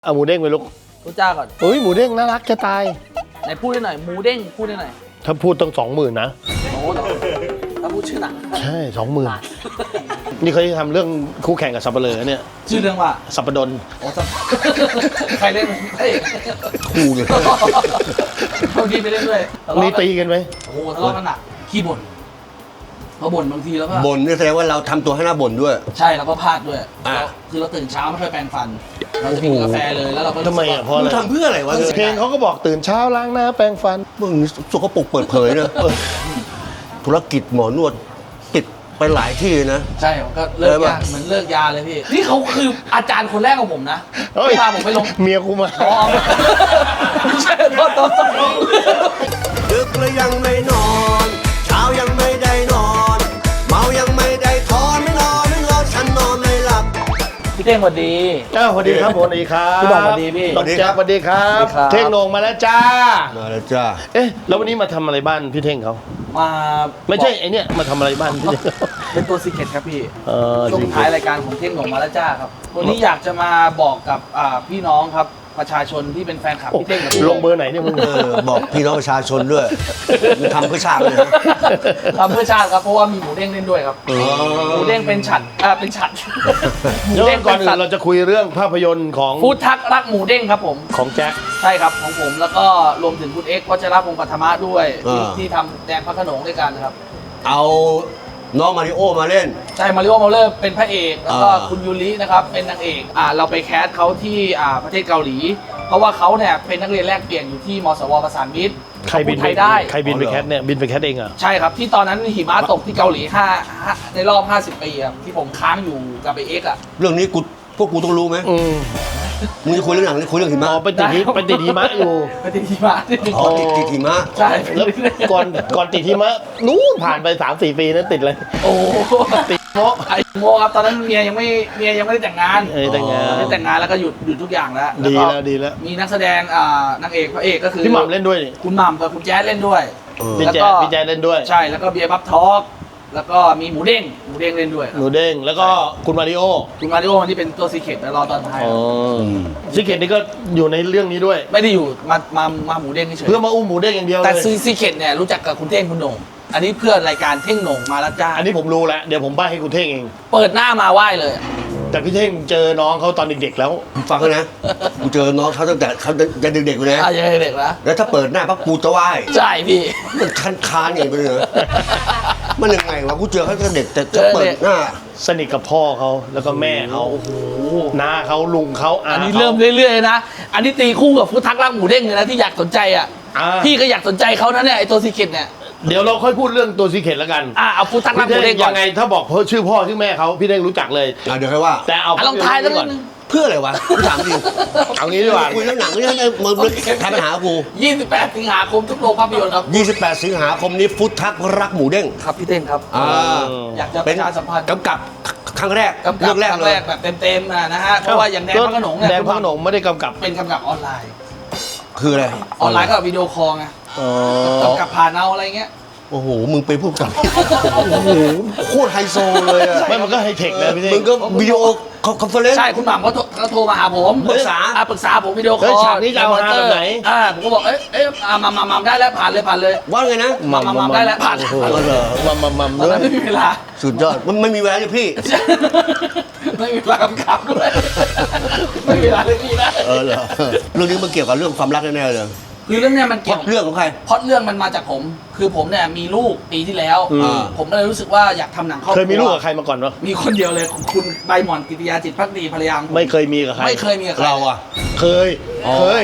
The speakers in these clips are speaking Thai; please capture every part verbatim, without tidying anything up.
เอาหมูเด้งไปลูกรู้จ้าก่อนเฮ้ยหมูเด้งน่ารักจะตายไหนพูดได้หน่อยหมูเด้งพูดได้หน่อยถ้าพูดต้องสองหมื่นนะโอ้ถ้าพูดชื่อหนังใช่สองหมื่นนี่เขาจะทำเรื่องคู่แข่งกับสับปะเลอเนี่ยชื่อเรื่องว่าสับปะดนโอ้สับใครเล่นเฮ้ยคู่เลยบางทีไปเล่นด้วยมีตีกันไหมโอ้ทะเลาะกันหนักขี้บ่นพอบ่นบางทีแล้วก็บ่นนี่แสดงว่าเราทำตัวให้หน้าบ่นด้วยใช่แล้วก็พลาดด้วยคือเราตื่นเช้าไม่ค่อยแปรงฟันเราจะกินกาแฟเลยแล้วเราก็ทำไมอ่ะเพราะอะไรทำเพื่ออะไรวะเพลงเขาก็บอกตื่นเช้าล้างหน้าแปรงฟันมึงสกปรกเปิดเผยนะธุรกิจหมอนวดปิดไปหลายที่นะใช่ก็เลิกยาเหมือนเลิกยาเลยพี่นี่เขาคืออาจารย์คนแรกของผมนะที่พาผมไปลงเมียกูมาไม่ใช่โทษโทษดึกแล้วยังไม่นอนเช้ายังไม่ได้นอนเมายังไม่ได้ทอนไม่นอนไม่นอนฉันนอนไม่หลับพี่เท่งสวัสดีเจ้าสวัสดีครับผมสวัสดีครับพี่บอลสวัสดีพี่น้องแจ๊คสวัสดีครับเท่งโหน่งมาแล้วจ้ามาแล้วจ้าเอ๊ะแล้ววันนี้มาทำอะไรบ้านพี่เท่งเขามาไม่ใช่ไอเนี้ยมาทำอะไรบ้านพี่เป็นตัวซีเคร็ตครับพี่ช่วงท้ายรายการของเท่งโหน่งมาแล้วจ้าครับวันนี้อยากจะมาบอกกับพี่น้องครับประชาชนที่เป็นแฟนคลับพี่เท่งกับลงเบอร์ไหนเนี่ยมึงบอกพี่น้องประชาชนด้วยมึงทำเพื่อชาติเลยทำเพื่อชาติครับเพราะว่ามีหมูเด้งเล่นด้วยครับหมูเด้งเป็นฉัดอ่าเป็นฉัดหมูเด้งก่อนอื่นเราจะคุยเรื่องภาพยนตร์ของฟู้ดทักรักหมูเด้งครับผมของแจ็คใช่ครับของผมแล้วก็รวมถึงคุณเอ็กซ์วัชรพงศ์ปัทมะด้วยที่ทำแดงพระโขนงด้วยกันครับเอาน้องมาริโอมาเล่นใช่มาริโอมาเลอร์เป็นพระเอกแล้วก็คุณยูรินะครับเป็นนางเอกอ่าเราไปแคสเขาที่อ่าประเทศเกาหลีเพราะว่าเขาเนี่ยเป็นนักเรียนแลกเปลี่ยนอยู่ที่มสวประสานมิตรใครบินไทยได้ใครบินไปแคสเนี่ยบินไปแคสเองอ่ะใช่ครับที่ตอนนั้นหิมะตกที่เกาหลีห้าในรอบห้าสิบปีครับที่ผมค้างอยู่กับไอเอ็กซ์อ่ะเรื่องนี้กูพวกกูต้องรู้ไหมมึงจะคุยเรื่องหนังหรือคุยเรื่องหิมะอ๋อไปติดไปติดหิมะอยู่ไปติดหิมะอ๋อติดติดหิมะใช่แล้วก่อนก่อนติดหิมะนู้นผ่านไปสามสี่ปีนั้นติดเลยโอ้ติดโมไอโมครับตอนนั้นเมียยังไม่เมียยังไม่ได้แต่งงานเออแต่งงานไม่แต่งงานแล้วก็หยุดหยุดทุกอย่างแล้วดีแล้วดีแล้วมีนักแสดงอ่านางเอกพระเอกก็คือพี่หม่ำเล่นด้วยคุณหม่ำกับคุณแจ๊สเล่นด้วยพี่แจ๊สพี่แจ๊สเล่นด้วยใช่แล้วก็เบียร์บัฟทอกแล้วก็มีหมูเด้งหมูเด้งเล่นด้วยหมูเด้งแล้วก็คุณมาริโอคุณมาริโอที่เป็นตัวซีเคร็ตแล้วรอตอนท้ายอ๋อซีเคร็ตนี่ก็อยู่ในเรื่องนี้ด้วยไม่ได้อยู่มามามาหมูเด้งเฉยเพื่อมาอุ้มหมูเด้งอย่างเดียวเลยแต่ซีเคร็ตเนี่ยรู้จักกับคุณเท่งคุณโหน่งอันนี้เพื่อรายการเท่งโหน่งมาแล้วจ้าอันนี้ผมรู้แล้วเดี๋ยวผมใบ้ให้คุณเท่งเองเปิดหน้ามาไหว้เลยแต่พี่เท่งเจอน้องเขาตอนเด็กๆแล้วฟังนะกูเจอน้องเขาตั้งแต่เขายังเด็กๆอยู่นะอ่ะยังเด็กแล้วแล้วถ้าเปิดหน้าปั๊บกูจะไหว้ใช่พี่มันคันคานอย่างไปเลยมันยังไงวะกูเจอเขาตั้งแต่เด็กแต่จะเปิดหน้าสนิทกับพ่อเขาแล้วก็แม่เขาโอ้โหน้าเขาลุงเขาอันนี้เริ่มเรื่อยๆนะอันนี้ตีคู่กับฟู้ดทักรักหมูเด้งเลยนะที่อยากสนใจอ่ะพี่ก็อยากสนใจเขานะเนี่ยไอตัวซีเคร็ตเนี่ยเดี๋ยวเราค่อยพูดเรื่องตัวซีเคร็ตแล้วกันอ่ะเอาฟู้ดทักรักหมูเด้งก่อนยังไงถ้าบอกชื่อพ่อชื่อแม่เขาพี่เด้งรู้จักเลยเดี๋ยวค่อยว่าแต่เอาลองทายแล้วก่อนเพื่ออะไรวะกูถามจริงเอางี้ดีกว่าคุยเรื่องหนังนี่ให้มึงทายปัญหากูยี่สิบแปดสิงหาคมทุกโรงภาพยนตร์ครับยี่สิบแปดสิงหาคมนี้ฟู้ดทักรักหมูเด้งครับพี่เด้งครับอ่าอยากจะประชาสัมพันธ์กำกับครั้งแรกเรื่องแรกเลยแบบเต็มๆนะฮะเพราะว่าอย่างแดงพระโขนงเนี่ยแดงพระโขนงไม่ได้กำกับเป็นกำกับออนไลน์คืออะไรออนไลน์ก็วิดีโอคอลไงกำกับผ่านเอาอะไรเงี้ยโอ้โหมึงไปพูดกับโอ้โหโคตรไฮโซเลยอ่ะไม่มันก็ไฮเทคนะพี่เท่งมึงก็วิดีโอคอนเฟอเรนซ์ใช่คุณหม่ำเขาเขาโทรมาหาผมปรึกษาปรึกษาผมวิดีโอคอลฉากนี้จะเอามาแบบไหนอ่าผมก็บอกเอ๊ะเอ๊ะมามามาได้แล้วผ่านเลยผ่านเลยว่าไงนะมามาได้แล้วผ่านมามามาด้วยไม่มีเวลาสุดยอดมันไม่มีเวลาเลยพี่ไม่มีเวลากำกับด้วยไม่มีเวลาเลยพี่นะเออเหรอเรื่องนี้มันเกี่ยวกับเรื่องความรักแน่ๆเลยคือเรื่องเนี้ยมันเกี่ยวเรื่องของใครพอดเรื่องมันมาจากผมคือผมเนี่ยมีลูกปีที่แล้วผมก็เลยรู้สึกว่าอยากทำหนังครอบครัวเคยมีลูกกับใครมาก่อนวะมีคนเดียวเลยคุณใบหม่อนกิติยาจิตภักดีภรรยาไม่เคยมีกับใครไม่เคยมีกับใครเราอ่ะเคยเคย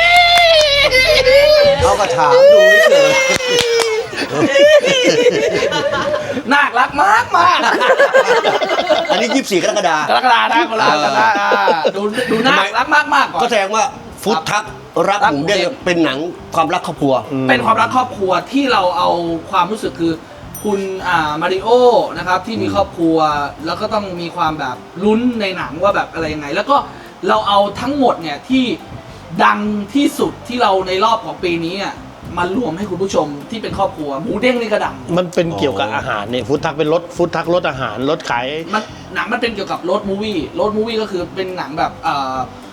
เขาก็ถามดูเฉยน่ารักมากมากอันนี้ยี่สิบสี่กรกฎาคมกรกฎาคมนะคนละกันนะดูดูน่ารักมากมากก็แสดงว่าฟู้ดทักรักหมูเด้งเป็นหนังความรักครอบครัวเป็นความรักครอบครัวที่เราเอาความรู้สึกคือคุณอ่ามาริโอนะครับที่มีครอบครัวแล้วก็ต้องมีความแบบลุ้นในหนังว่าแบบอะไรยังไงแล้วก็เราเอาทั้งหมดเนี่ยที่ดังที่สุดที่เราในรอบของปีนี้อ่ะมารวมให้คุณผู้ชมที่เป็นครอบครัวหมูเด้งนี่ก็ดังมันเป็นเกี่ยวกับอาหารเนี่ยฟู้ดทักเป็นรถฟู้ดทักรถอาหารรถขายมันหนังมันเป็นเกี่ยวกับรถมูวี่รถมูวี่ก็คือเป็นหนังแบบอ่า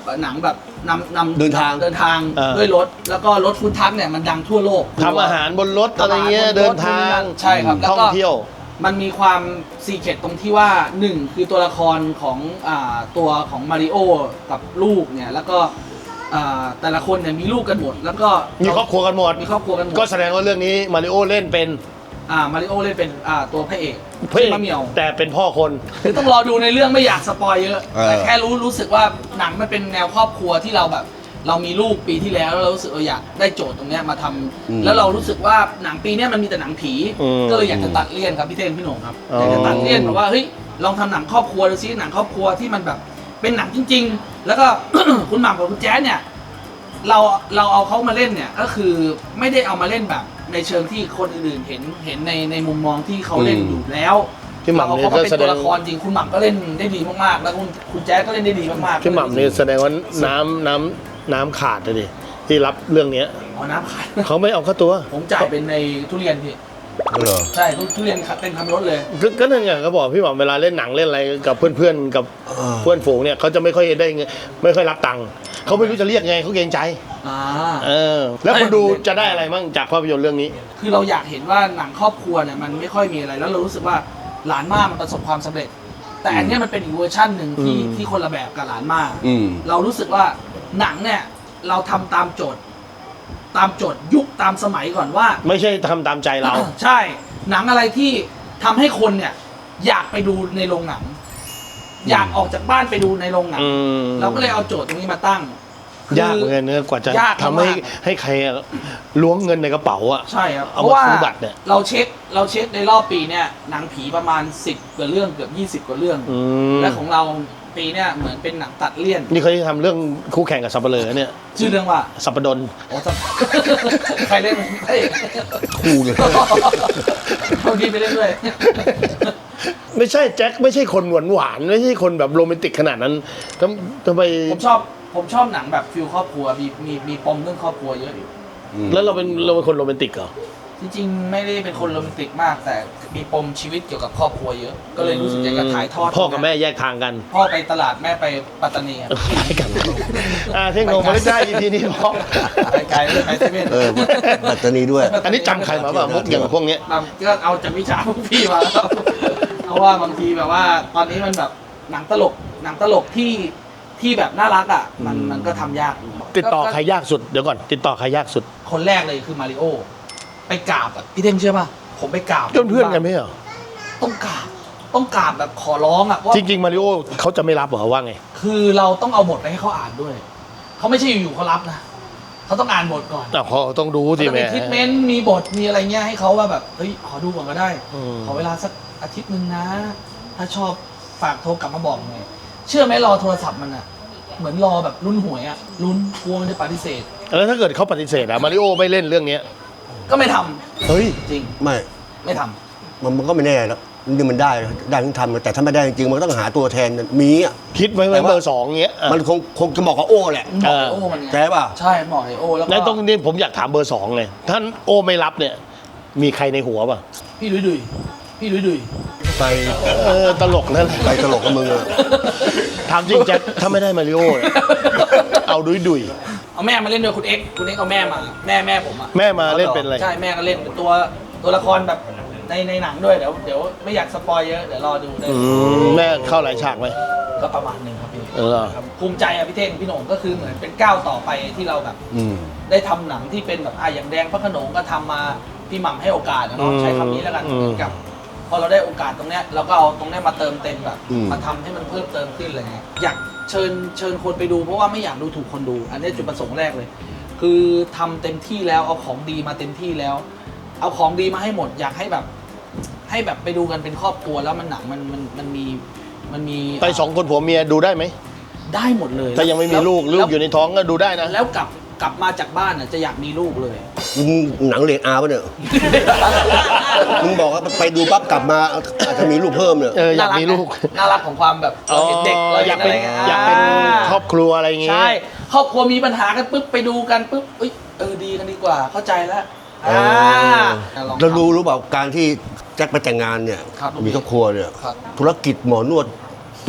หนังแบบนำนำเดินทางเดินทางเออด้วยรถแล้วก็รถฟู้ดทัคเนี่ยมันดังทั่วโลกทำอาหารบนรถอะไรเงี้ยทำอาหารบนรถเดินทางใช่ครับแล้วท่องก็เที่ยวมันมีความซีเคร็ตตรงที่ว่าหนึ่งคือตัวละครของอ่าตัวของมาริโอกับลูกเนี่ยแล้วก็อ่าแต่ละคนเนี่ยมีลูกกันหมด แล้วก็มีครอบครัวกันหมดมีครอบครัวกันหมดก็แสดงว่าเรื่องนี้มาริโอเล่นเป็นอ่ามาริโอเล่นเป็นอ่าตัวพระเอกพระเอกมะเหมียวแต่เป็นพ่อคนคือต้องรอดูในเรื่องไม่อยากสปอยเยอะเออแต่แค่รู้รู้สึกว่าหนังมันเป็นแนวครอบครัวที่เราแบบ เรามีลูกปีที่แล้วแล้วเรารู้สึกเราอยากได้โจทย์ตรงเนี้ยมาทำแล้วเรารู้สึกว่าหนังปีเนี้ยมันมีแต่หนังผีอืมก็เลยอยากจะตัดเลี่ยนครับพี่เท่งพี่หนุ่มครับอ๋อออยากจะตัดเลี่ยนแบบว่าเฮ้ยลองทำหนังครอบครัวดูซิหนังครอบครัวที่มันแบบเป็นหนังจริง ๆ แล้วก็ คุณหม่ำกับคุณแจ๊สเนี่ยเราเราเอาเขามาเล่นเนี่ยก็คือไม่ได้เอามาเล่นแบบในเชิงที่คนอื่นๆเห็นเห็นในในมุมมองที่เขาเล่นอยู่แล้วพี่หม่ำเนี่ยเราเอาเขามาเป็นก็แสดตัวงละครจริงคุณหม่ำก็เล่นได้ดีมากๆ แล้วคุณคุณแจ๊สก็เล่นได้ดีมากๆพี่หม่ำนี่แสดงว่าน้ำน้ำน้ำขาดเลยดิที่รับเรื่องเนี้ยเอาน้ำขายเขาไม่เอาค่าตัวผมจ่ายเป็นในทุเรียนพี่เหรอใช่ทุเรียนเต็มคันรถเลยก็ก็นั่นไงเขาบอกพี่หม่ำเวลาเล่นหนังเล่นอะไรกับเพื่อนๆกับอ่าเพื่อนฝูงเนี่ยเขาจะไม่ค่อยได้เงินไม่ค่อยรับตังค์เขาไม่รู้จะเรียกไงเขาเกรงใจอ่าเออ แล้วคนดูจะได้อะไรบ้างจากภาพยนตร์เรื่องนี้คือเราอยากเห็นว่าหนังครอบครัวเนี่ยมันไม่ค่อยมีอะไร แล้วเรารู้สึกว่าหลานม่ามันประสบความสำเร็จ แต่อันเนี้ยมันเป็นอีกเวอร์ชันหนึ่งที่อืมที่คนละแบบกับหลานม่าอืมเรารู้สึกว่าหนังเนี่ยเราทำตามโจทย์ ตามโจทย์ยุคตามสมัยก่อนว่าไม่ใช่ทำตามใจเราใช่หนังอะไรที่ทำให้คนเนี่ยอยากไปดูในโรงหนัง อยากออกจากบ้านไปดูในโรงหนังอืมเราก็เลยเอาโจทย์ตรงนี้มาตั้งยากเหมือนกันเนื้อกว่าจะยากทำให้มากให้ใครล้วงเงินในกระเป๋าอ่ะใช่ครับเอาเพราะมาว่าซื้อบัตรเนี่ยเราเช็คเราเช็คในรอบปีเนี่ยหนังผีประมาณสิบกว่าเรื่องเกือบยี่สิบกว่าเรื่องอืมและของเราปีเนี่ยเหมือนเป็นหนังตัดเลี่ยนนี่เขาจะทำเรื่องคู่แข่งกับสับเปลือเนี่ยชื่อเรื่องว่าสับปะดนโอ้สับ ใครเล่นเอ้ยคู่เลยเอาดีไปเล่นด้วยไม่ใช่แจ็คไม่ใช่คนหวานหวานๆไม่ใช่คนแบบโรแมนติกขนาดนั้นทำทำไมผมชอบผมชอบหนังแบบฟิลครอบครัวมีมีมีปมเรื่องครอบครัวเยอะอยู่แล้วเราเป็นเราเป็นคนโรแมนติกเหรอจริงๆไม่ได้เป็นคนโรแมนติกมาก แต่มีปมชีวิตเกี่ยวกับครอบครัวเยอะ ก็เลยรู้สึกอยากจะถ่ายทอดพ่อกับแม่แยกทางกันพ่อไปตลาดแม่ไปปัตตานีครับไปกันอ่าเท่งโงมาได้อีพีนี้พอไปไกลเลยไปเซเว่นเออปัตตานีด้วยอันนี้จำใครมาบ้างมุกอย่างพวกเนี้ยบางก็เอาจากวิชาพวกพี่มาแล้วเพราะว่าบางทีแบบว่าตอนนี้มันแบบหนังตลกหนังตลกที่ที่แบบน่ารักอ่ะมันมันก็ทำยากอยู่ติดต่อใครยากสุดเดี๋ยวก่อนติดต่อใครยากสุดคนแรกเลยคือมาริโอไปกราบอะพี่เท่งเชื่อป่ะผมไปกราบเพื่อนเพื่อนๆกันไหมเหรอต้องกราบต้องกราบแบบขอร้องอ่ะว่าจริงๆมาริโอเขาจะไม่รับเหรอว่าไงคือเราต้องเอาบทไปให้เขาอ่านด้วยเขาไม่ใช่อยู่ๆเขารับนะเขาต้องอ่านบทก่อนอ่ะเขาต้องดูสิจะแม่มีทิทเมนต์มีบทมีอะไรเงี้ยให้เขาว่าแบบเฮ้ยขอดูก่อนก็ได้อืมขอเวลาสักอาทิตย์หนึ่งนะ ถ้าชอบฝากโทรกลับมาบอกหน่อยเชื่อไหมรอโทรศัพท์มันอะเหมือนรอแบบลุ้นหวยอะลุ้นกลัวมันจะปฏิเสธแล้วถ้าเกิดเขาปฏิเสธอะมาริโอไม่เล่นเรื่องเนี้ยก็ไม่ทำเฮ้ยจริงไม่ไม่ทำมันมันก็ไม่แน่แล้วนี่มันได้ได้ทั้งทำแต่ถ้าไม่ได้จริงๆมันก็ต้องหาตัวแทนมีอ่ะคิดไว้ไหมแต่ว่าเบอร์สองเงี้ยอ่ะมันคงคงจะบอกกับโอ้แหละหมอไอโอมันไงใช่ป่ะใช่หมอไอโอแล้วแล้วก็ตรงนี้ผมอยากถามเบอร์สองเลยท่านโอไม่รับเนี่ย มีใครในหัวป่ะพี่ดุยดุยพี่ดุยดุยไปเออตลกนั่นแหละไปตลกกับมึงอะถามจริงแจ็คถ้าไม่ได้มาริโอเนี่ยเอาดุยดุยเอาแม่มาเล่นด้วยคุณเอ็กซ์คุณเอ็กซ์เอาแม่มาแม่แม่ผมอะแม่มาเล่นเป็นอะไรใช่แม่ก็เล่นเป็นตัวตัวละครแบบในในหนังด้วยเดี๋ยวเดี๋ยวไม่อยากสปอยเยอะเดี๋ยวรอดูได้อืมแม่เข้าหลายฉากไหมก็ประมาณหนึ่งครับพี่เออครับภูมิใจอะพี่เท่งพี่โหน่งก็คือเหมือนเป็นก้าวต่อไปที่เราแบบอืมได้ทำหนังที่เป็นแบบอ่ะอย่างแดงพระโขนงก็ทำมาพี่หม่ำให้โอกาสนะเนาะใช้คำนี้แล้วกันเหมือนกับ พอเราได้โอกาสตรงเนี้ยเราก็เอาตรงเนี้ยมาเติมเต็มแบบอืมมาทำให้มันเพิ่มเติมขึ้นอะไรเงี้ยอยากเชิญเชิญคนไปดูเพราะว่าไม่อยากดูถูกคนดู อันนี้จุดประสงค์แรกเลย คือทำเต็มที่แล้วเอาของดีมาเต็มที่แล้ว เอาของดีมาให้หมด อยากให้แบบ ให้แบบไปดูกันเป็นครอบครัวแล้วมันหนังมันมันมันมีมันมีไปสองคนผัวเมียดูได้ไหมได้หมดเลยถ้ายังไม่มีแวลูกลูกอยู่ในท้องก็ดูได้นะแล้วกลับกลับมาจากบ้านน่ะจะอยากมีลูกเลยมึงหนังเรียนอาร์ป่ะเนี่ยมึงบอกว่าไปดูปั๊บกลับมาอาจจะมีลูกเพิ่มเนี่ยเอออยากมีลูกน่ารักของความแบบเราเห็นเด็กเราอเห็ยากนอะเป็นไรเงี้ยอยากเป็นครอบครัวอะไรอย่างเงี้ยใช่ครอบครัวมีปัญหากันปุ๊บไปดูกันปุ๊บเอ้ยเออดีกันดีกว่าเข้าใจแล้วอ่าลองเราทำรู้รู้เปล่าการที่แจ็คไปแต่งงานเนี่ยครับมีครอบครัวเนี่ยครับธุรกิจหมอนวดปิด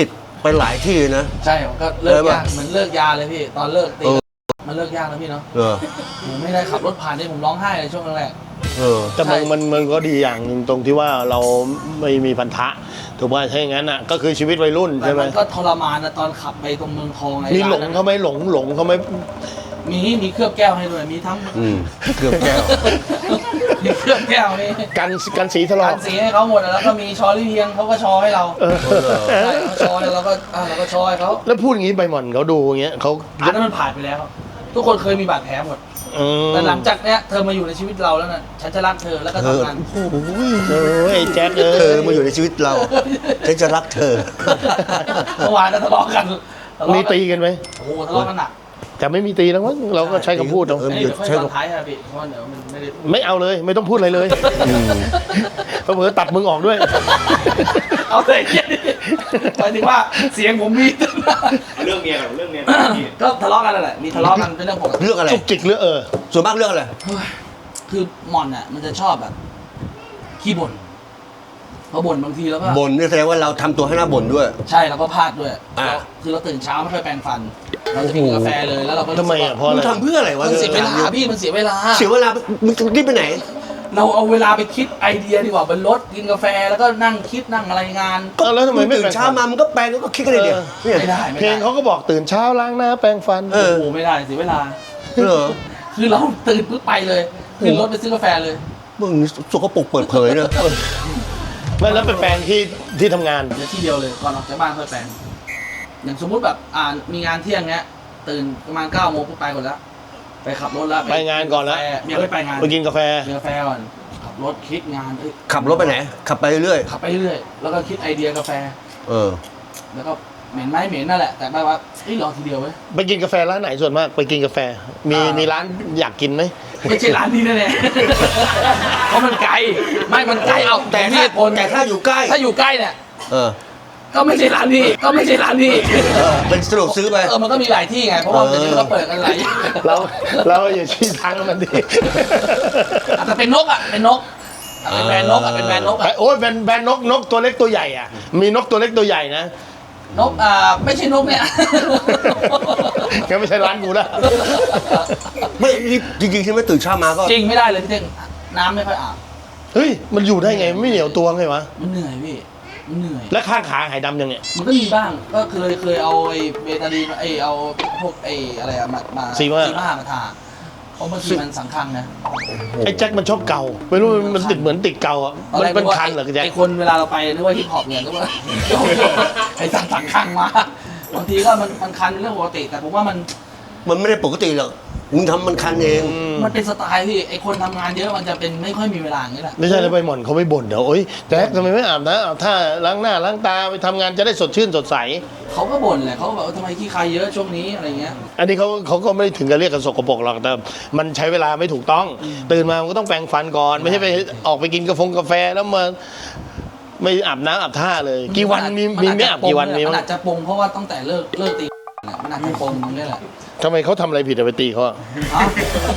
ไปหลายที่นะใช่ผมก็เลิกเออป่ะยากเหมือนเลิกยาเลยพี่ตอนเลิกตีเออมันเลิกยากแล้วพี่เนาะเออผมไม่ได้ขับรถผ่านนี่ผมร้องไห้เลยช่วงแรกเออแต่มันใช่มันมันก็ดีอย่างหนึ่งตรงที่ว่าเราไม่มีพันธะถูกป่ะถ้าอย่างนั้นอ่ะก็คือชีวิตวัยรุ่นๆแต่ใช่ไหมมันก็ทรมานนะตอนขับไปตรงเมืองทองไอ้มีหลงร้านนั้นเขาไหมหลงหลงเขาไหมมีมีเคลือบแก้วให้ด้วยมีทั้งอืมเกือบแก้วมีเคลือบแก้วมีกันกันสีทะเลาะการสีให้เขาหมดแล้วก็มีชอรี่เพียงเขาก็ชอให้เราเออใช่เขาชอแล้วเราก็อ่าเราก็ชอให้เขาแล้วพูดอย่างนี้ใบหม่อนเขาดูอย่างเงี้ยเขาอันนั้นมันผ่านไปแล้ว ทุกคนเคยมีบาดแผลหมดอืมแต่หลังจากเนี้ยเธอมาอยู่ในชีวิตเราแล้วน่ะฉันจะรักเธอแล้วก็ทำงานโอ้โหเออไอ้แจ็คเอเธออมาอยู่ในชีวิตเราฉันจะรักเธอเมื่อวานก็ทะเลาะกันทะเลาะมีกันตีกันไหมโอ้โหทะเลาะกันหนักแต่ไม่มีตีแล้วมั้งเราก็ใช้คำพูดเอาเออไอ้หยุเดี๋ดยวค่อยใช้ตอนคำท้ายอะพี่เพราะว่าเดี๋ยวมันไม่ได้ไม่เอาเลยไม่ต้องพูดอะไรเลยเผื่อๆตัดมึงออกด้วยเอาแต่เหี้ยหมายถึงว่าเสียงผมมีเรื่องเมียกับเรื่องเมียก็ทะเลาะกันนั่นแหละมีทะเลาะกันเป็นเรื่องปกติเรื่องอะไรจุกจิกเรือเออส่วนมากเรื่องอะไรเฮ้ยคือหม่อนอ่ะมันจะชอบแบบขี้บ่นพอบ่นบางทีแล้วก็บ่นนี่แสดงว่าเราทำตัวให้หน้าบ่นด้วยใช่แล้วก็พลาดด้วยอ่าแล้วคือเราตื่นเช้าไม่ค่อยแปรงฟัน เราจะไปกินกาแฟเลยแล้วเราก็รู้สึทำกไมว่าอ่ะเพราะอะไรมึงทำเพื่ออะไรวะมันเสียเวลาพี่มันเสียเวลาเสียเวลามึงรีบไปไหนเราเอาเวลาไปคิดไอเดียดีกว่าบนรถกินกาแฟแล้วก็นั่งคิดนั่งอะไรงานก็แล้วทำไมไม่ตื่นแปรงเช้าฟันมามึงก็แปลงก็คิดกันเลยเดียวเนี่ยไม่ได้ไม่เพลได้งเขาก็บอกตื่นเช้าล้างหน้าแปรงฟันเออโอ้โหไม่ได้เสียเวลาเหรอคือเราตื่นปุ๊บไปเลยขึ้นรถไปซื้อกาแฟเลยมึงสกปรกเปิดเผยเนอะไม่แล้วไปแปรงที่ที่ทำงานเดี๋ยวที่เดียวเลยก่อนออกจากบ้านค่อยแปรงอย่างสมมุติแบบอ่ามีงานเที่ยงเงี้ยตื่นประมาณเก้าโมงปุ๊บไปก่อนแล้วไปขับรถแล้วไปงานก่อนแล้วเมียไม่ไปงานไปกินกาแฟกินกาแฟก่อนขับรถคิดงานเอ้ยขับรถไปไหน ขับไปเรื่อยขับไปเรื่อยแล้วก็คิดไอเดียกาแฟๆเออแล้วก็เหม็นไหมเหม็นนั่นแหละแต่แบบว่าเฮ้ยรอทีเดียวเว้ยไปกินกาแฟร้านไหนส่วนมากไปกินกาแฟ มีอ่ามีมีร้านอยากกินไหมไม่ใช่ร้านนี้แน่ๆ เพราะมันไกลไม่มันไกลเอาแต่แต่ที่ถ้าเหตุผลแต่ถ้าอยู่ใกล้ถ้าอยู่ใกล้เนี่ยเออก็ไม่ใช่ร้านนี้ก็ไม่ใช่ร้านนี้เออเป็นสะดวกซื้อไปเออมันก็มีหลายที่ไงเพราะว่าเออเดี๋ยวนี้ก็เปิดกันหลายอย่างเราเราอย่าชี้ทางมันดิอาจจะเป็นนกอ่ะเป็นนกอ่ะเป็นแบรนด์นกอ่ะเป็นแบรนด์นกไอ้อ่ะโอ้ยแบนแบนนกนกตัวเล็กตัวใหญ่อ่ะ มีนกตัวเล็กตัวใหญ่นะนกอ่าไม่ใช่นกเนี่ยก็ไม่ใช่ร้านกูนะไม่นี่จริงๆใช่ไหมตื่นเช้ามาก็จริงไม่ได้เลยพี่เท่งน้ำไม่ค่อยอาบเฮ้ยมันอยู่ได้ไงไม่เหนียวตัวไงวะมันเหนื่อยพี่มันเหนื่อยแล้วข้างขาหายดำยังเนี่ยมันก็มีบ้างก็เคยเคยเอาไอ้เบตาดีนไอ้เอาพวกไอ้อะไรอะมามาซีม่าซีม่ามาทาเพราะบางทีมันสังคังนะไอ้แจ็คมันชอบเกาไม่รู้มันมันติดเหมือนติดเกาอ่ะตอนมันแรกเป็นว่าคันเหรอแจ็คไอ้คนเวลาเราไปนึกว่าฮิปฮอปเนี่ยนึกว่า ไอ้สังสังคังมาบางทีก็มันมันคันเป็นเรื่องปกติแต่ผมว่ามันมันไม่ได้ปกติหรอกมึงทำมันคันเองมันเป็นสไตล์พี่ไอ้คนทำงานเยอะมันจะเป็นไม่ค่อยมีเวลาอย่างนี้แหละไม่ใช่แล้วใบหม่อนเขาไม่บ่นเดี๋ยวโอ๊ยแจ็คทำไมไม่อาบน้ำอาบท่าล้างหน้าล้างตาไปทำงานจะได้สดชื่นสดใสเขาก็บ่นแหละเขาก็แบบว่าทำไมขี้ใครเยอะช่วงนี้อะไรเงี้ยอันนี้เขาเขาก็ไม่ได้ถึงกับเรียกกันสกปรกหรอกแต่มันใช้เวลาไม่ถูกต้อง ตื่นมามันก็ต้องแปรงฟันก่อน ไม่ใช่ไปออกไปกินกาแฟกาแฟแล้วมาไม่อาบน้ำอาบท่าเลย กี่วันมีมีไม่อาบกี่วันมีมันมั้อาจจะปงเพราะว่าตั้งแต่เลิกเลิกตีเนี่ยมันอาจจะปงตรงนี้แหละทำไมเขาทำอะไรผิดอะไปตีเขาอะฮะ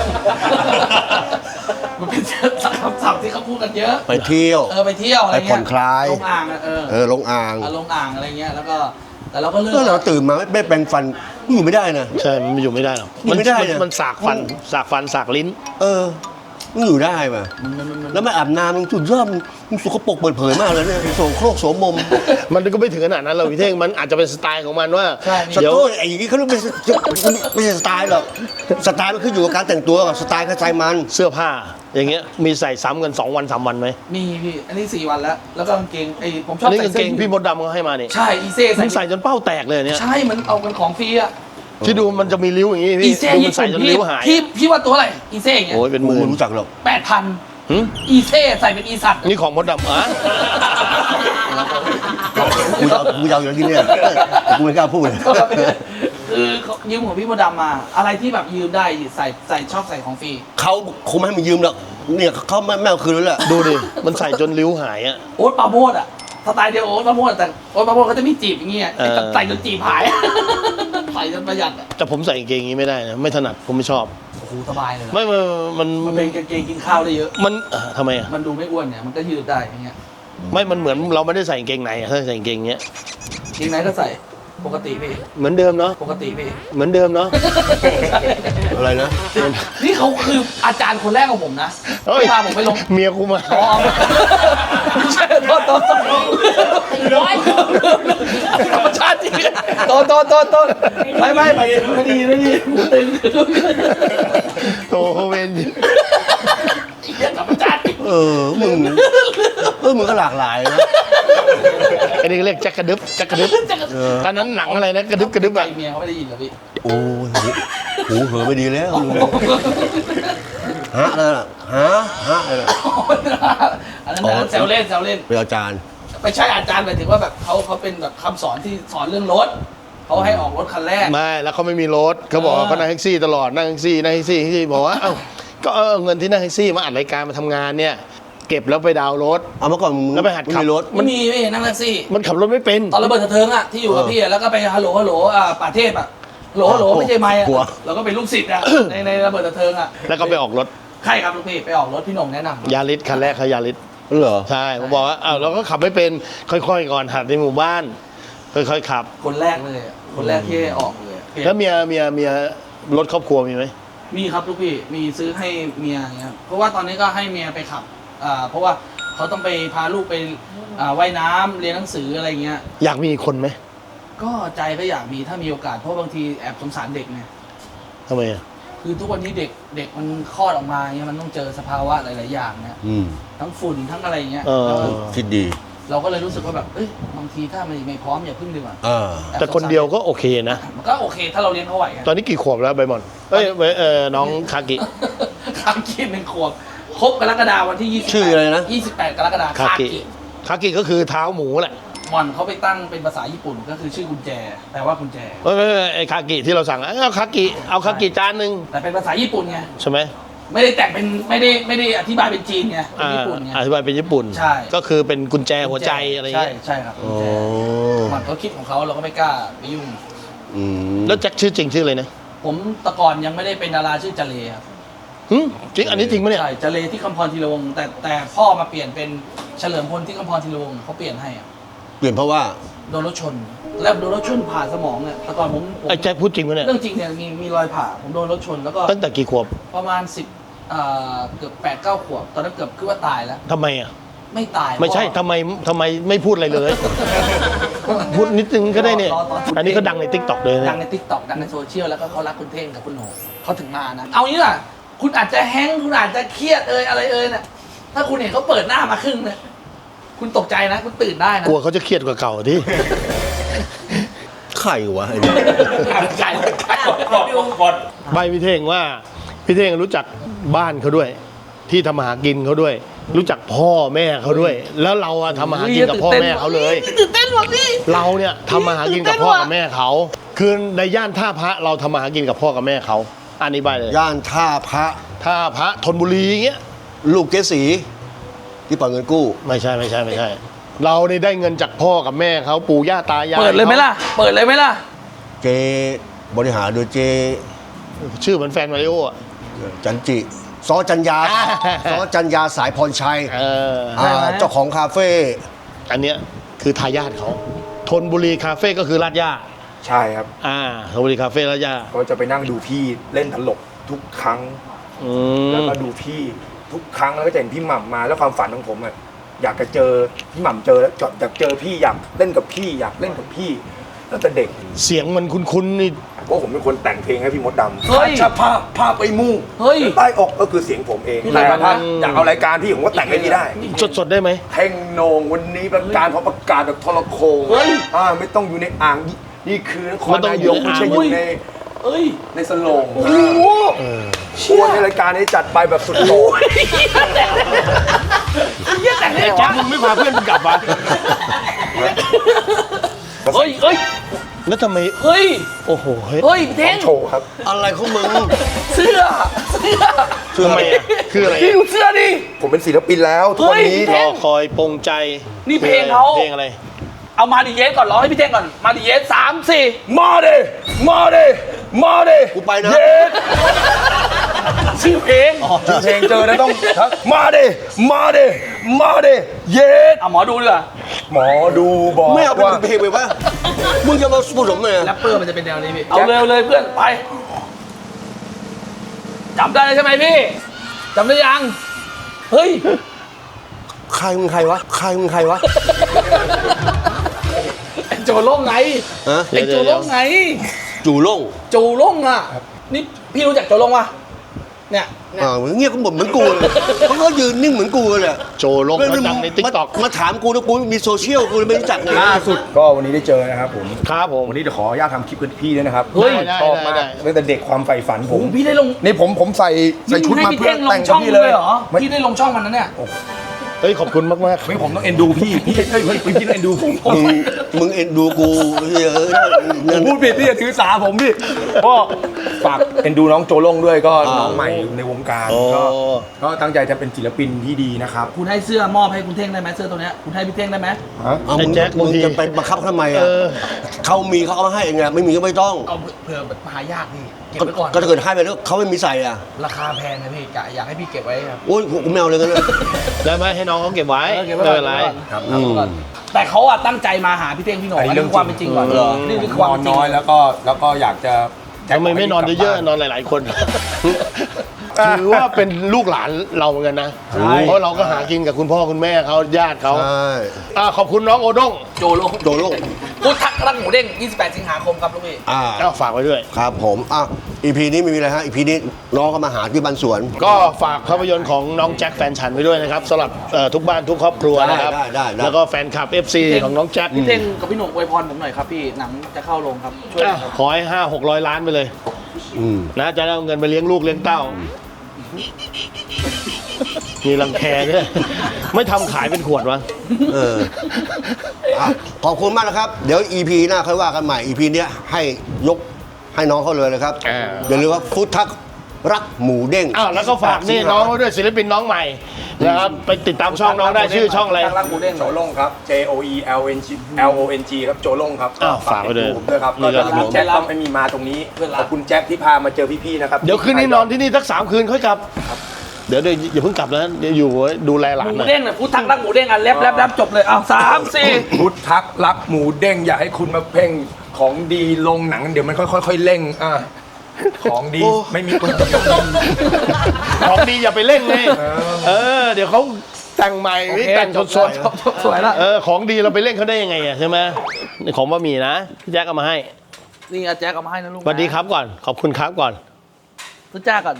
มันเป็นคำศัพท์ที่เขาพูดกันเยอะไปเที่ยวเออไปเที่ยวอะไรไปผ่เงี้อย นคลายลงอ่างอะเออเออลงอ่างเอาลงอ่างอะไรเงี้ยแล้วก็แต่เราก็เลิกก็เราตื่นมาไม่ไม่แปรงฟันอยู่ไม่ได้นะใช่มันอยู่ไม่ได้หรอกอยู่ไม่ได้มันเนี่ยมันสากฟันสากฟันสากลิ้นเออมึงอยู่ได้ป่ะมันมันมันแล้วไม่อาบน้ำมึงสุดยอดมึงมึงสกปรกเปิดเผยมากเลยเนี่ยโสโครกโสมมมันก็ไม่ถึงขนาดนั้นเราพี่เท่งมันอาจจะเป็นสไตล์ของมันว่าใช่สนี่เดี๋ยวโตไอ้อย่างนี้เขาเรียกไม่ใช่ไม่ใช่สไตล์หรอกสไตล์มันขึ้นอยู่กับการแต่งตัวกับสไตล์กระจายมันเสื้อผ้า อย่างเงี้ยมีใส่ซ้ำกันสองวันสามวันไหมมีพี่อันนี้สี่วันแล้ว แล้วก็กางเกงไอ้ผมชอบนี่ใส่กางเสื้เกอง ยืดพี่มดดำเขาให้มานี่ใช่อีเซ่มึใส่งใส่จนเป้าแตกเลยเนี่ยใช่มันเอากันของฟรีอะที่ดูมันจะมีริ้วอย่างงี้อีพี่เซ่ดูมัญี่นใส่ปุ่นจนพี่ริ้วหายพี่พี่ว่าตัวอะไรอีเซ่อย่างเงี้ยโอ้ยเป็นหกูมื่นไม่รู้จักหรอกแปดพันหึอีเซ่ใส่เป็นอีสัตว์นี่ของมดดำอ่ะกูจะเอากูจะเอาอย่างนี้เนี่ยแต่กูไม่กล้าพูดเลยคือยืมของพี่มดดำมา อะไรที่แบบยืมได้ใส่ใส่ชอบใส่ของฟรีเขาคงไม่ให้มึงยืมหรอกเนี่ยเขาไม่ไม่เอาคืนแล้วแหละดูดิมันใส่จนริ้วหายอ่ะโอ๊ตปราโมดอะสไตล์เดียวโอ๊ตปราโมดแต่โอ๊ตปราโมดเขาจะมีจีบอย่างเงี้ยเออใส่จนจีบหาย ใส่จนประหยัดอะแต่ผมใส่กางเกงอย่างงี้ไม่ได้นะไม่ถนัดผมไม่ชอบโอ้โหสบายเลยไม่มันมันมันเป็นกางเกงกินข้าวได้เยอะมันเอ่อทำไมอ่ะมันดูไม่อ้วนเนี่ยมันก็ยืดได้อย่างเงี้ยไม่มันเหมือนเราไม่ได้ใส่กางเกงในอะถ้าใส่กางเกงเงี้ยเกงไหนก็ใส่ปกติพี่เหมือนเดิมเนาะปกติพี่เหมือนเดิมเนาะอะไรนะนี่เขาคืออาจารย์คนแรกของผมนะเฮ้ยที่พาผมไปลงเมียกูมาอ๋อไม่ใช่โทษโทษโทษร้อยธรรมชาติจริงโทษโทษโทษโทษไม่ไม่ไม่ไม่ดีไม่ดีหูตึงโตเวนเหี้ยธรรมชาติจริงเออมึงเออมึงก็หลากหลายนะอันนี้เรียกแจ็คกระดึบแจ็คกระดึบตอนนั้นหนังอะไรนะกระดึบกระดึบใจอะเมียเขาไม่ได้ยินเหรอพี่โอ้ยหูหูเหอไม่ดีแล้วฮะนั่นน่ะฮะฮะอะไรน่ะอันนั้นนะแซวเล่นแซวเล่นเป็นอาจารย์ไม่ใช่อาจารย์หมายถึงว่าแบบเขาเขาเป็นแบบคำสอนที่สอนเรื่องรถเขาให้ออกรถคันแรกไม่แล้วเขาไม่มีรถเขาบอกว่าเขานั่งแท็กซี่ตลอดนั่งแท็กซี่นั่งแท็กซี่แท็กซี่บอกว่าเอ้าก็เอาเงินที่นั่งแท็กซี่มาอัดรายการมาทำงานเนี่ยเก็บแล้วไปดาวน์รถเอาเมื่อก่อนมึงแล้วไปหัดขับม่มีรถไม่มีไม่เห็นนั่งแท็กซี่มันขับรถไม่เป็นตอนระเบิดสะเทิงอะที่อยู่กับพี่อะแล้วก็ไปฮัลโหลฮัลโหลอ่าป่าเทพอะฮัลโหลฮัลโหลไม่ใช่ไมค์อะกลัวเราก็เป็นลูกศิษย์อะในในระเบิดสะเทิงอะแล้วก็ไปออกรถใครครับลูกพี่ไปออกรถพี่หน่งแนะนำยาริสคันแรกเขายาริสเหรอใช่ผมบอกว่าอ้าวเราก็ขับไม่เป็นค่อยๆก่อนหัดในหมู่บ้าน ค่อยๆขับคนแรกเลยอะคนแรกที่ออกเลยอะแล้วเมียเมียเมียรถครอบครัวมีไหมมีครับลูกพี่มีซื้อให้เมียอย่างเงี้ยเพราะว่าตอนนี้ก็ให้เมียไปขับอ่าเพราะว่าเขาต้องไปพาลูกไปอ่าว่ายน้ำเรียนหนังสืออะไรเงี้ยอยากมีอีกคนไหมก็ใจก็อยากมีถ้ามีโอกาสเพราะบางทีแอบสงสารเด็กไงทำไมอ่ะคือทุกวันนี้เด็กเด็กมันคลอดออกมาเงี้ยมันต้องเจอสภาวะหลาย ๆ อย่างเนี่ยอืมทั้งฝุ่นทั้งอะไรเงี้ยเออแล้วคิดดีเราก็เลยรู้สึกว่าแบบเอ้ยบางทีถ้ามันไม่พร้อมอย่าพึ่งดีกว่าอ่าอบแต่คนเดียวก็โอเคนะมันก็โอเคถ้าเราเลี้ยงเขาไหวอะตอนนี้กี่ขวบแล้วใบหมอนเอ้ยเว้ยเออน้องคากิคากิหนึ่งขวบครบกรกฎาวันที่ยี่สิบชื่ออะไรนะยี่สิบแปดกรกฎาคาคากิกิคากิก็คือเท้าหมูแหละหม่อนเขาไปตั้งเป็นภาษาญี่ปุ่นก็คือชื่อกุญแจแปลว่ากุญแจเอ้ยเอ้ยเอ้ยไอ้คากิที่เราสั่งเอาคากิเอาคากิจานหนึ่งแต่เป็นภาษาญี่ปุ่นไงใช่ไหมไม่ได้แต่งเป็นไม่ได้ไม่ได้อธิบายเป็นจีนไงเป็นอ่าญี่ปุ่นไงอธิบายเป็นญี่ปุ่นใช่ก็คือเป็นกุญแจหัวใจอะไรอย่างใช่เงี้ยใช่ครับกุญโอ้แจหม่อนเขาคิดของเขาเราก็ไม่กล้าไปยุ่งอืมแล้วแจ็คชื่อจริงชื่ออะไรนะผมแตะก่อนยังไม่ได้เป็นดาราชื่อจเลครับหึจริงอันนี้จริงปะเนี่ยใช่จเลที่คำพรธีรวงศ์แต่แต่พ่อมาเปลี่ยนเป็นเฉลิมพลที่คำพรธีรวงศ์เขาเปลี่ยนให้อะเปลี่ยนเพราะว่าโดนรถชน แล้วโดนรถชนผ่าสมองเนี่ยแต่ก่อนผมผมไอ้แจ็คพูดจริงปะเนี่ยเรื่องจริงเนี่ยมีมีรอยผ่าผมโดนรถชนแล้วก็ตั้งแต่กี่ขวบประมาณสิบอ่าเกือบแปดเก้าขวบตอนนั้นเกือบคือว่าตายแล้วทำไมอ่ะไม่ตายไม่ใช่เพราะทำไมทำไมไม่พูดอะไรเลย พูดนิดนึงก็ได้เนี่ยรอรอรออัอันนี้ก็ดังในทิกตอกเลยดันะงในทิกตอกดังในโซเชียลแล้วก็เขารักคุณเท่งกับคุณโหน่งเขาถึงมานะ เอางี้ล่ะ คุณอาจจะแฮงค์คุณอาจจะเครียดเอยอะไรเอยน่ะถ้าคุณเห็นเขาเปิดหน้ามาครึ่งเนี่ยคุณตกใจนะ คุณตื่นได้นะกลัวเขาจะเครียดกว่าเก่าที่ไข่วะไอ้เนี่ยไก่ไก่ใบพี่เท่งว่าพี่เท่งรู้จักบ้านเขาด้วย ที่ทำมาหากินเขาด้วย รู้จักพ่อแม่เขาด้วย แล้วเราอะทำมาหากินกับพ่อแม่เขาเลยตื่นเต้นว่ะพี่เราเนี่ยทำมาหากินกับพ่อกับแม่เขาคือในย่านท่าพระเราทำมาหากินกับพ่อกับแม่เขาอันนี้ใบเลยย่านท่าพระท่าพระธนบุรีอย่างเงี้ยลูกเกสีที่ปล่อยเงินกู้ไม่ใช่ไม่ใช่ไม่ใช่ เราเนี่ยได้เงินจากพ่อกับแม่เขาปู่ย่าตายายเปิดเลยไหมล่ะ เปิดเลยไหมล่ะเจบริหารโดยเจชื่อเหมือนแฟนมาริโออะจันจิซอจัญญาอ่าซอจัญญาสายพรชัยเอออ่าเจ้าของคาเฟ่อันเนี้ยคือทายาทเขาธนบุรีคาเฟ่ก็คือลาดย่าใช่ครับอ่าธนบุรีคาเฟ่ลาดย่าก็จะไปนั่งดูพี่เล่นตลกทุกครั้งอืมแล้วก็ดูพี่ทุกครั้งแล้วก็จะเห็นพี่หม่ำมาแล้วความฝันของผมอะอยากจะเจอพี่หม่ำเจอแล้วอยากเจอพี่อยากเล่นกับพี่อยากเล่นกับพี่ตั้งแต่เด็กเสียงมันคุ้นๆนี่เพราะผมเป็นคนแต่งเพลงให้พี่มดดำเฮ้ยชาภาพภาพไปมู่เฮ้ยใต้อกก็คือเสียงผมเองพี่แต่เลยถ้านะอยากเอารายการพี่ผมก็แต่งให้พี่ได้สดๆได้ไหมเท่งโหนงวันนี้ประกาศเพราะประกาศแบบทรโคงเฮ้ยอ่าไม่ต้องอยู่ในอ่างนี่คือนครไม่ต้องนาอยู่ยกในไม่อ่างใช่อยู่ในเอ้ยในสโลงโอ้โหเออโอ้ในรายการนี้จัดไปแบบสุดโต่งเฮียแต่งได้ไอ้ไงแจ๊ควะมึงไม่พาเพื่อนมึงกลับวะเฮ้ยเฮ้ยแล้วทำไมเฮ้ยโอ้โหเฮ้ยเฮ้ยพี่เท่งโชว์ครับอะไรของมึงเสื้อ เสื้อทำไมอ่ะคืออะไรพี่อะดูเสื้อดิผมเป็นศิลปินแล้วทุกวันนี้เฮ้รยอคอยปรงใจนี่เพลงเขาเพลงอะไรเอามาดิเยสก่อนร้องให้พี่เท่งก่อน มาดิเยสสามสี่มาเดมาเดมาเดกูไปนะเย็ดชื่อเพลงชื่อเพลงเจอแล้วต้องมาเดมาเดมาเดเย็ดเอาหมอดูดีกว่าหมอดูบอกไม่เอาเป็นว่าเพลงไปวะมึงจะมาผสมเลยแรปเปอร์มันจะเป็นแนวนี้พี่เอาเร็วเลยเพื่อนไปจำได้ใช่ไหมพี่จำได้ยังเฮ้ยใครมึงใครวะใครมึงใครวะไอ้โจโล่งไงฮะไอ้โจโล่งไงจูโล่งโจโล่งอ่ะนี่พี่รู้จักโจโล่งปะเนี่ยอ่าเงียบก็หมดเหมือนกูเลยเขาก็ยืนนิ่งเหมือนกูเลยแหละโจลงเขาดังในติ๊กต็อกมาถามกูนะกูมีโซเชียลกูเลยไม่รู้จักเลยล่าสุดก็วันนี้ได้เจอนะครับผมครับผมวันนี้เดี๋ยวขออนุญาตทำคลิปกับพี่ด้วยนะครับเฮ้ยชอบมากได้ได้ตั้งแต่เด็กความใฝ่ฝันผโอ้มโหพี่ได้ลงนี่ผมผมใส่ใส่ชุดให้มาพี่เพื่อเท่งลแต่งงช่กัอบ งพี่เลเลย ยเหรอไม่พี่ได้ลงช่องมันนั้นเนี่ยเฮ้ยขอบคุณมากมากไม่ผมต้องเอ็นดูพี่พี่เฮ้ยเฮ้ยพี่ต้องเอ็นดูผมผมมึงมึงเอ็นดูกูเออผมพูดผิดพี่อย่าถือสาผมพี่ก็ฝากเอ็นดูน้องโจโล่งด้วยก็น้องใหม่ในวงการก็ก็ตั้งใจจะเป็นศิลปินที่ดีนะครับคุณให้เสื้อมอบให้คุณเท่งได้ไหมเสื้อตัวเนี้ยคุณให้พี่เท่งได้ไหมเอามึงมึงจะไปบังคับเขาทำไมอ่ะเขามีเขาเอามาให้เองไงไม่มีก็ไม่ต้องเอาเผื่อแบบหายากพี่เก็บก็ไว้ก่อนก็ถ้าเกิดให้ไปแล้วเขาไม่มีใส่อ่ะราคาแพงนะพี่กะอยากให้พี่เก็บไว้ครับโอ้ยกูไม่เอาเลยกันนะได้ไหมให้น้องเขาเก็บไว้เออเก็บไม่ไว้ก่อนเป็นไรครับอืมแต่เขาอะตั้งใจมาหาพี่เท่งพี่โหน่งอันนี้อันเรื่นี้องความเป็นจริงก่อนเหรอนี่คือความนอเป็น นจริงน้อยแล้วก็แล้วก็อยากจะทำไมไม่นอนเยอะๆนอนหลาย ๆ คน ถือว่าเป็นลูกหลานเราเหมือนกันนะ เพราะเราก็หากินกับคุณพ่อคุณแม่เขาญาติเขาใช่อ่าขอบคุณน้องโอด้งโจโลงโจโล่งพุทธักรักหมูเด้งยี่สิบแปดสิงหาคมครับลูกพี่อ่าก็ฝากไว้ด้วยครับผมอ่ะอีพีนี้ไม่มีอะไรฮะอีพีนี้น้องก็มาหาที่บ้านสวนก็ฝากภาพยนตร์ของน้องแจ็คแฟนฉันไว้ด้วยนะครับสำหรับเอ่อทุกบ้านทุกครอบครัวนะครับได้ได้ได้แล้วก็แฟนคลับ เอฟ ซี ของน้องแจ็คพี่เท่งกับพี่โหน่งอวยพรผมหน่อยครับพี่หนังจะเข้าโรงครับช่วยหน่อยครับขอให้ห้าหกร้อยล้านไปเลยอืมนะจะได้เอาเงินไปเลี้ยงลูกเลี้ยงเต้า มีรังแคด้วย ไม่ทำขายเป็นขวดวะเอออ่ะขอบคุณมากนะครับ เดี๋ยว อี พี หน้าค่อยว่ากันใหม่ อี พี เนี้ยให้ยกให้น้องเขาเลยนะครับอ่าอย่าลืมว่าฟุตทักรักหมูเด้งอ้าวแล้วก็ฝากนี่น้องเขาด้วยศิลปินน้องใหม่นะครับไปติดตามช่องน้องได้ชื่อช่องอะไรรักหมูเด้งโจโล่งครับ J O E L N G L O N G ครับโจโล่งครับอ้าวฝากไว้ด้วยผมด้วยครับนี่ก็ก็จะรับแจ็คต้องไม่มีมาตรงนี้ขอบคุณแจ็คที่พามาเจอพี่ๆนะครับเดี๋ยวคืนนี้นอนที่นี่สักสามคืนค่อยกลับ เดี๋ยวเดี๋ยวอย่าเพิ่งกลับนะเดี๋ยวอยู่ดูแลหลาหนมูหน่อยเด้งเนี่ยพุทธักรักหมูเด้งอ่ะแลบแลบแลบจบเลยอ้าวสามสี่พุทธักรักหมูเด้งอย่าให้คุณมาเพ่งของดีลงหนังเดี๋ยวมันค่อยๆเร่งอ่ะของดีไม่มีคนของดีอย่าไปเล่นเลยเออ เดี๋ยวเขาแต่งใหม่นี่แต่งสดจบจบสวยละๆเออของดีเราไปเล่นเขาได้ยังไงอะใช่ไหมนี่ของบะหมี่นะพี่แจ็คเอามาให้นี่อาแจ๊กเอามาให้นะลูกสวัสดีครับก่อน ขอบคุณครับก่อนทุจ้าก่อน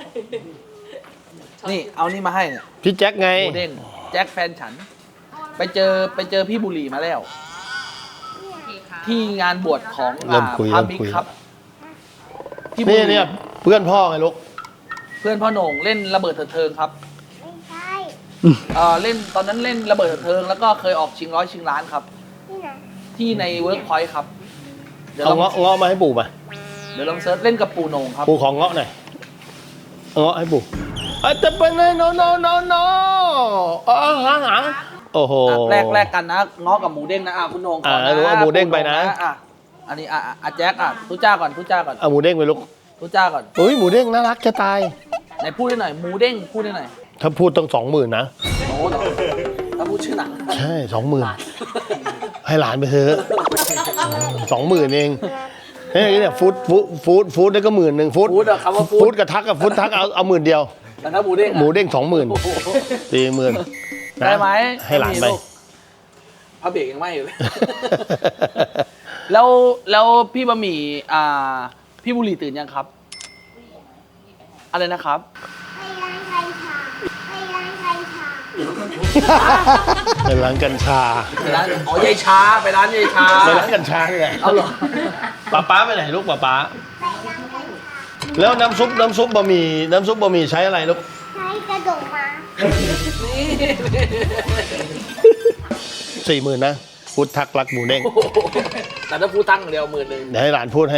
นี่เอานี่มาให้เนี่ยพี่แจ็คไงหมูเด้งแจ็คแฟนฉัน ไปเจอไปเจอพี่บุหรี่มาแล้ว ที่งานบวชของเริ่มคุยพระเริ่มบิ๊กคุยครับพี่บุนี่หรี่เนี่ยเพื่อนพ่อไงลูกเพื่อนพ่อโหน่งเล่นระเบิดเถิดเทิงครับไม่ใช่เออเล่นตอนนั้นเล่นระเบิดเถิดเทิง แล้วก็เคยออกชิงร้อยชิงล้านครับที่ไหนที่ในเวิร์กพอยต์ครับ เดี๋ยวเอาลองเงาะเงาะมาให้ปู่มาเดี๋ยวลองเซิร์ชเล่นกับปูโหน่งครับปู่ของเงาะหน่อยเอาเงาะให้ปู่อาจจะเป็นไงโนโนโนโนอ๋อหาหาโอ้โหอ่ะแรกแรกกันนะง้อกับหมูเด้งนะอ่ะคุณโหน่งก่อนอ่ะนะรู้ว่าหมูเด้งไปนะอ่ะอันนี้อ่ะอ่ะอ่ะแจ็คอ่ะทุจ้าก่อนทุจ้าก่อนเอาหมูเด้งไปลูกทุจ้าก่อนเฮ้ยหมูเด้งน่ารักจะตายไหนพูดได้หน่อยหมูเด้งพูดได้หน่อยถ้าพูดต้องสองหมื่นนะโอ้โหถ้าพูดชื่อหนังใช่สองหมื่นให้หลานไปเถอะสองหมื่นเองเฮ้ยเนี่ยฟู้ดฟู้ดฟู้ดฟู้ดได้ก็หมื่นหนึ่งฟู้ดฟู้ดอะคำว่าฟู้ฟู้ดดกับทักกับฟู้ดทักเอาเอาหมื่นเดียวแต่ถ้าหมูเด้งอะหมูเด้งสองหมื่นโอ้โหสี่หมื่นได้ไหมให้หลานไปม่มีกพระเบรกยังไม่อยู่เลย แล้วแล้วพี่บะหมี่อ่าพี่บุหรี่ตื่นยังครับ อะไรนะครับไปร้านไทยชาไปร้านไทยชาเป็นร้านกัญชาไปร้านอ๋อยายชาไปร้านยายชาเป็นร้านกัญชานี่แหละเอาเหรอป้าป้าไปไหนลูกป้าป้าไปร้านไทยชาแล้วน้ำซุปน้ำซุปบะหมี่น้ำซุปบะหมี่ใช้อะไรลูกใช้กระดกมาสี่หมื่นนะพูดทักรักหมูเด้งโอ้โหแต่ถ้าพูดตั้งเดียวหมื่นหนึ่งเดี๋ยวให้หลานพูดให้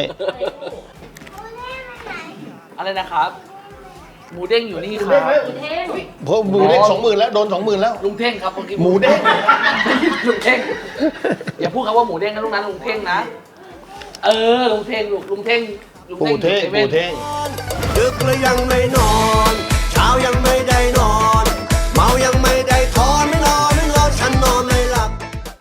อะไรนะครับ หมูเด้งอยู่นี่ครับเพราะหมูเด้งสองหมื่นแล้วโดนสองหมื่นแล้วลุงเท่งครับเมื่อกี้หมูเด้งลุงเท่งอย่าพูดคำว่าหมูเด้งนะลูกนั้นลุงเท่งนะ เออลุงเท่งลูกลุงเท่งลุงปู่เท่งอยู่ซว่ปู่นเท่งดึกแล้วยังไม่นอน เช้ายังไม่ได้นอน เมายังไม่